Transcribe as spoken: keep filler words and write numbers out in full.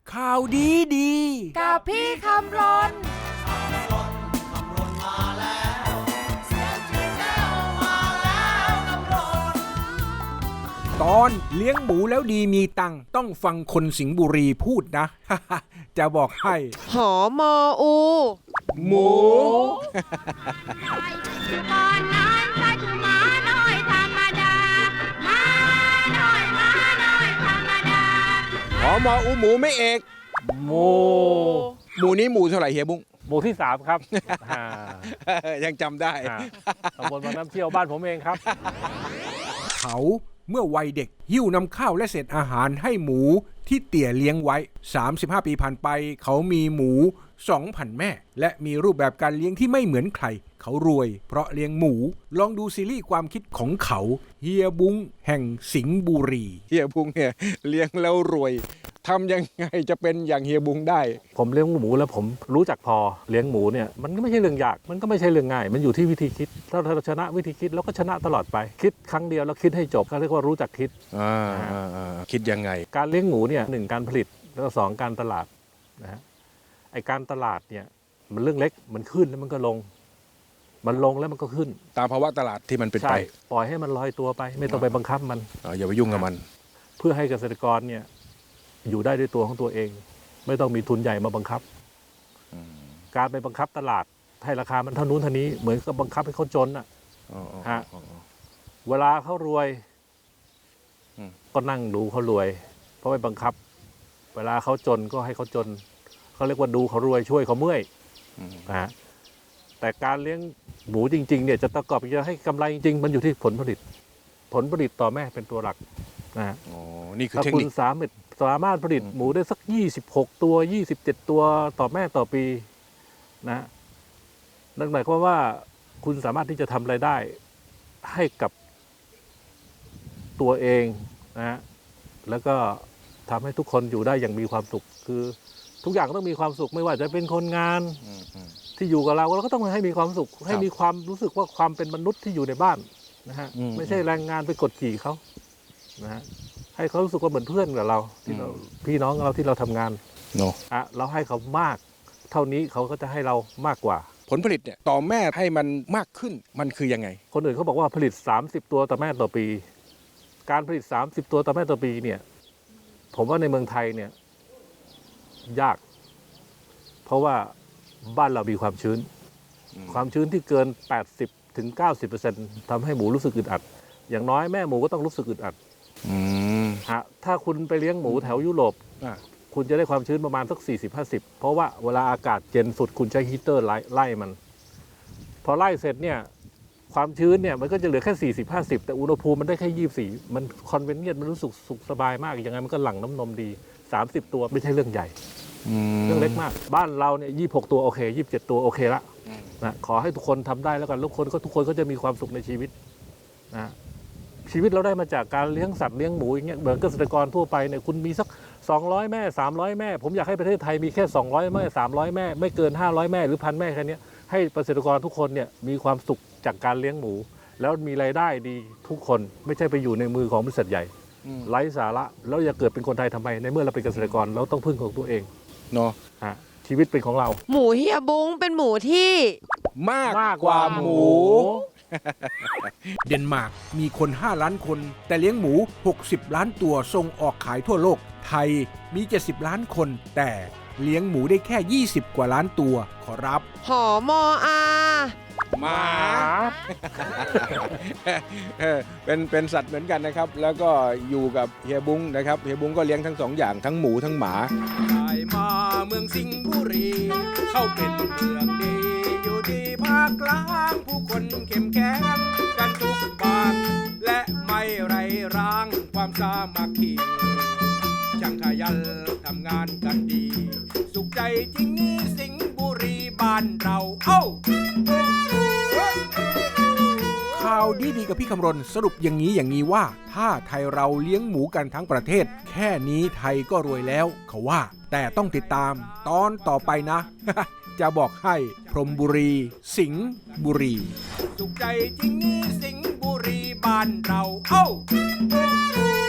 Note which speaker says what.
Speaker 1: ข่าวดีดี
Speaker 2: กับพี่คำรน
Speaker 1: ตอนเลี้ยงหมูแล้วดีมีตังต้องฟังคนสิงห์บุรีพูดนะ จะบอกให้
Speaker 2: หอมออู
Speaker 1: หมูหอมออูหมูไม่เอก
Speaker 3: หมู
Speaker 1: หมูนี้หมูเท่าไหร่เฮียบุ้ง
Speaker 3: หมู่ที่สามครับ
Speaker 1: ยังจำได้
Speaker 3: ตำบลบางน้ำเชี่ยวบ้านผมเองครับ
Speaker 1: เขาเมื่อวัยเด็กหิ้วนำข้าวและเศษอาหารให้หมูที่เตี่ยเลี้ยงไว้สามสิบห้าปีผ่านไปเขามีหมู สองพัน แม่และมีรูปแบบการเลี้ยงที่ไม่เหมือนใครเขารวยเพราะเลี้ยงหมูลองดูซีรีส์ความคิดของเขาเฮียบุ้งแห่งสิงห์บุรีเฮียบุ้งเนี่ยเลี้ยงแล้วรวยทำยังไงจะเป็นอย่างเฮียบุ้งได้
Speaker 3: ผมเลี้ยงหมูแล้วผมรู้จักพอเลี้ยงหมูเนี่ยมันก็ไม่ใช่เรื่องยากมันก็ไม่ใช่เรื่องง่ายมันอยู่ที่วิธีคิดถ้าเราชนะวิธีคิดแล้วก็ชนะตลอดไปคิดครั้งเดียวแล้วคิดให้จบเขาเรียกว่ารู้จักคิด
Speaker 1: อ่าคิดยังไง
Speaker 3: การเลี้ยงหมูเนี่ยหนึ่งการผลิตแล้วก็สองการตลาดนะฮะไอการตลาดเนี่ยมันเรื่องเล็กมันขึ้นแล้วมันก็ลงมันลงแล้วมันก็ขึ้น
Speaker 1: ตามภาวะตลาดที่มันเป็นไป
Speaker 3: ปล่อยให้มันลอยตัวไปไม่ต้องไปบังคับมัน
Speaker 1: อย่าไปยุ่งกับมัน
Speaker 3: เพื่อให้เกษตรกรเนี่ยอยู่ได้ด้วยตัวของตัวเองไม่ต้องมีทุนใหญ่มาบังคับการไปบังคับตลาดให้ราคามันเท่านู้นเท่านี้เหมือนกับบังคับให้เขาจนอ่ะฮะเวลาเขารวยก็นั่งดูเขารวยเพราะไปบังคับเวลาเขาจนก็ให้เขาจนเขาเรียกว่าดูเขารวยช่วยเขาเมื่อยนะฮะแต่การเลี้ยงหมูจริงๆเนี่ยจะประกอบจะให้กำไรจริงๆมันอยู่ที่ผลผลิตผลผลิตต่อแม่เป็นตัวหลักนะฮะ
Speaker 1: นี่คือเทคนิค
Speaker 3: ถ้าคุณสามารถสามารถผลิตหมูได้สักยี่สิบหกตัวยี่สิบเจ็ดตัวต่อแม่ต่อปีนะนั่นหมายความว่าคุณสามารถที่จะทำรายได้ให้กับตัวเองนะฮะแล้วก็ทำให้ทุกคนอยู่ได้อย่างมีความสุขคือทุกอย่างต้องมีความสุขไม่ว่าจะเป็นคนงานที่อยู่กับเราเราก็ต้องให้มีความสุขให้มีความรู้สึกว่าความเป็นมนุษย์ที่อยู่ในบ้านนะฮะไม่ใช่แรงงานไปกดขี่เขานะฮะให้เขารู้สึกว่าเหมือนเพื่อนกับเราที่เราพี่น้องเราที่เราทำงาน
Speaker 1: เนาะ
Speaker 3: อ่ะเราให้เขามากเท่านี้เขาก็จะให้เรามากกว่า
Speaker 1: ผลผลิตเนี่ยต่อแม่ให้มันมากขึ้นมันคือยังไง
Speaker 3: คนอื่นเขาบอกว่าผลิตสามสิบตัวต่อแม่ต่อปีการผลิตสามสิบตัวต่อแม่ต่อปีเนี่ยผมว่าในเมืองไทยเนี่ยยากเพราะว่าบ้านเรามีความชื้นความชื้นที่เกิน แปดสิบถึงเก้าสิบเปอร์เซ็นต์ ทำให้หมูรู้สึกอึดอัดอย่างน้อยแม่หมูก็ต้องรู้สึกอึดอัดฮะถ้าคุณไปเลี้ยงหมูแถวยุโรปคุณจะได้ความชื้นประมาณสัก สี่สิบห้าสิบ เพราะว่าเวลาอากาศเย็นสุดคุณใช้ฮีเตอร์ไล่มันพอไล่เสร็จเนี่ยความชื้นเนี่ยมันก็จะเหลือแค่ สี่สิบห้าสิบ แต่อุณหภูมิมันได้แค่ยี่สิบสี่มันคอนเวนเนียนมันรู้สึกสุขสบายมากยังไงมันก็หลั่งน้ำนมดีสามสิบตัวไม่ใช่เรื่องใหญ่เรื่องเล็กมากบ้านเราเนี่ยยี่สิบหกตัวโอเคยี่สิบเจ็ดตัวโอเคละนะขอให้ทุกคนทำได้แล้วกันทุกคนก็ทุกคนก็จะมีความสุขในชีวิตนะชีวิตเราได้มาจากการเลี้ยงสัตว์เลี้ยงหมูอย่างเงี้ยเหมือนเกษตรกรทั่วไปเนี่ยคุณมีสักสองร้อยแม่สามร้อยแม่ผมอยากให้ประเทศไทยมีแค่สองร้อยแม่สามร้อยแม่ไม่เกินห้าร้อยแม่หรือพันแม่แค่นี้ให้เกษตรกรทุกคนเนี่ยมีความสุขจากการเลี้ยงหมูแล้วมีรายได้ดีทุกคนไม่ใช่ไปอยู่ในมือของบริษัทใหญ่ไร้สาระแล้วอย่าเกิดเป็นคนไทยทำไมในเมื่อเราเป็นเกษตรกรเราต้องพึ่งของตัวเอง
Speaker 1: เนาะ
Speaker 3: ฮะชีวิตเป็นของเรา
Speaker 2: หมูเฮียบุ้งเป็นหมูที่
Speaker 1: มากกว่าหมูเดนมาร์กมีคนห้าล้านคนแต่เลี้ยงหมูหกสิบล้านตัวส่งออกขายทั่วโลกไทยมีเจ็ดสิบล้านคนแต่เลี้ยงหมูได้แค่ยี่สิบกว่าล้านตัวขอรับ
Speaker 2: หอมออา
Speaker 1: หมาเป็นเป็นสัตว์เหมือนกันนะครับแล้วก็อยู่กับเฮียบุ้งนะครับเฮียบุ้งก็เลี้ยงทั้งสองอย่างทั้งหมูทั้งหมาได้มาเมืองสิงห์บุรีเข้าเป็นเมืองดีอยู่ดีภาคกลางผู้คนเข้มแข็งกันทุกปากและไม่ไรร้างความสามัคคีช่างขยันทำงานกันดีสุขใจจริงนี้สิงห์บุรีบ้านเราเอ้าข่าวดีๆกับพี่คำรณสรุปอย่างนี้อย่างนี้ว่าถ้าไทยเราเลี้ยงหมูกันทั้งประเทศแค่นี้ไทยก็รวยแล้วเขาว่าแต่ต้องติดตามตอนต่อไปนะ จะบอกให้พรหมบุรีสิงห์บุรีสุขใจจริงนี้สิงห์บุรีบ้านเราเอ้า